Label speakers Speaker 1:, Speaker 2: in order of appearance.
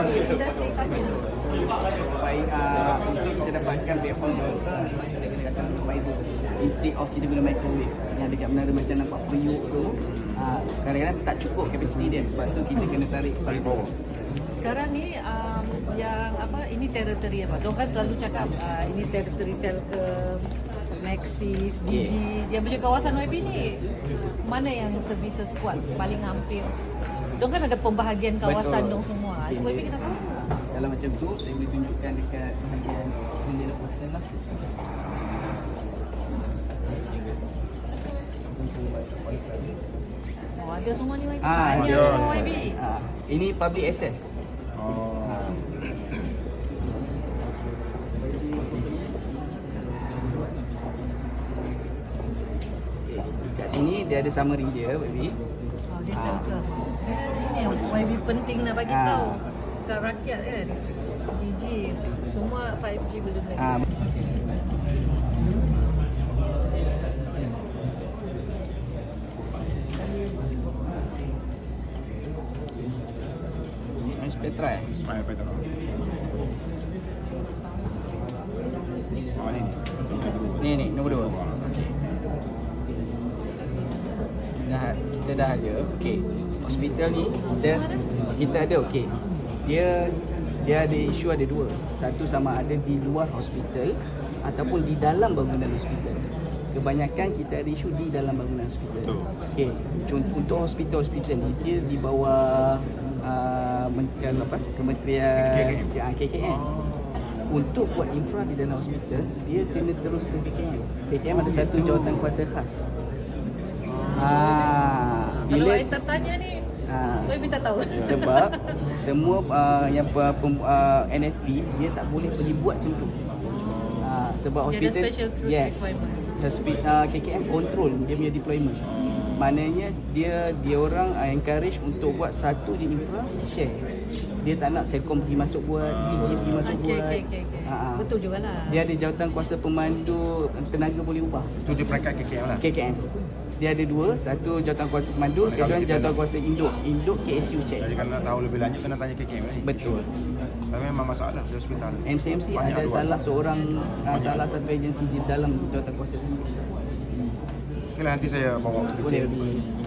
Speaker 1: Baik, untuk kita dapatkan before dosa, kita kena kata fiber. Instead of kita guna microwave yang dekat menara macam nampak periuk tu, kadang-kadang tak cukup kapasiti dia, sebab tu kita kena tarik bawah.
Speaker 2: Sekarang ni yang apa, ini teritori apa? Diorang kan selalu cakap ini teritori Selcom, Maxis, Digi. Dia punya kawasan YB ni mana yang services kuat paling hampir? Diorang kan ada pembahagian kawasan dong semua. Itu YB kita tahu.
Speaker 1: Kalau macam tu, saya boleh tunjukkan dekat bahagian jendela postal lah.
Speaker 2: Oh, ada semua ni YB.
Speaker 1: Ada
Speaker 2: Semua YB.
Speaker 1: Ini public access. Kat sini dia ada summary dia, baby.
Speaker 2: Oh, dia Selcom. Ini yang YB penting nak bagi tahu kat rakyat kan. Digi, semua 5G belum lagi.
Speaker 1: Petra
Speaker 3: Ismail Petra.
Speaker 1: Ni nombor 2. Kita dah ada. Okey. Hospital ni kita ada okey. Dia ada isu ada 2. Satu sama ada di luar hospital ataupun di dalam bangunan hospital. Kebanyakan kita ada isu di dalam bangunan hospital. Okey. Untuk hospital ni dia di bawah Kementerian KKM. Untuk buat infra di dalam hospital, dia kena terus ke KKM. KKM ada satu jawatan kuasa khas.
Speaker 2: Kalau saya tak tanya ni, saya minta tahu.
Speaker 1: Sebab semua yang NFP dia tak boleh pergi buat macam tu. Sebab hospital, yes, KKM control dia punya deployment. Maknanya dia orang encourage untuk buat satu je infra, share. Dia tak nak Selcom pergi masuk buat, Digi pergi masuk buat.
Speaker 2: Betul jugalah.
Speaker 1: Dia ada jawatan kuasa pemandu, tenaga boleh ubah.
Speaker 3: Tu dia peringkat KKM lah.
Speaker 1: KKM. Dia ada 2, satu jawatan kuasa pemandu, kedua jawatan kuasa induk KSU check.
Speaker 3: Jadi kalau nak tahu lebih lanjut kena tanya KKM ni.
Speaker 1: Betul.
Speaker 3: Tapi memang masalah di hospital.
Speaker 1: MCMC ada salah seorang, salah satu agensi di dalam jawatan kuasa tersebut.
Speaker 3: Okeylah, nanti saya bawa sedikit.
Speaker 1: Boleh.